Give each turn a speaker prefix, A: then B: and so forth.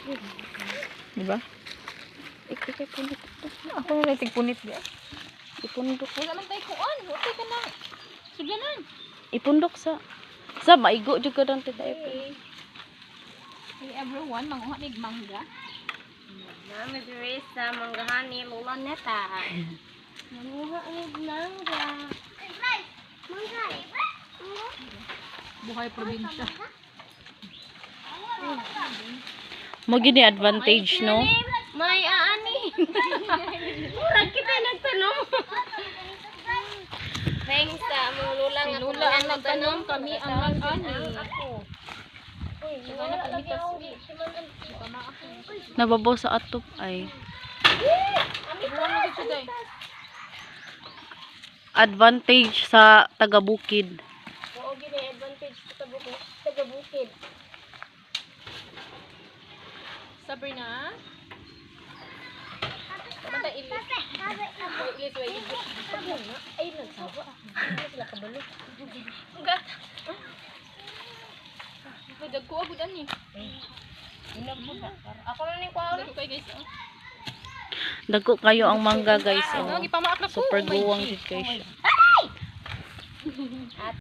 A: Diba?
B: Ikay punit.
A: Ako na nating punit di.
B: Ipundok.
C: Wala man tayo kuan. Okay ka na. Sugyanan.
B: Ipundok sa maigo jud ka dante tayo.
C: Hey everyone, manguha nig mangga.
D: Nami diri sa manggahani Lola Neta. Manguha nig mangga.
C: Buhay probinsya.
B: Mo gini advantage no.
D: May aani. Murag kita nagtanom. Thanks sa mga lula
C: Si
D: nga
C: Lula ang nagtanom, kami ang nag-ani.
D: Ako. Uy,
C: Wala na kami kasi.
B: Nababaw sa atop ay.
C: Buwan mo dito day.
B: Advantage sa taga-bukid.
D: Oo, gini advantage sa taga-bukid.
C: Sabrina. Basta ilis. Ilis, wait.
D: Ay, nagsawa. Hindi sila kabalo.
C: May dagko agud ani.
D: Ako na ni kwaon.
C: Dagko kay guys.
B: Dagko kayo ang mangga guys.
C: Ano
B: Oh.
C: gipamaak na ko.
B: Super
C: Oh my
B: guwang
C: G.
B: gid kayo siya.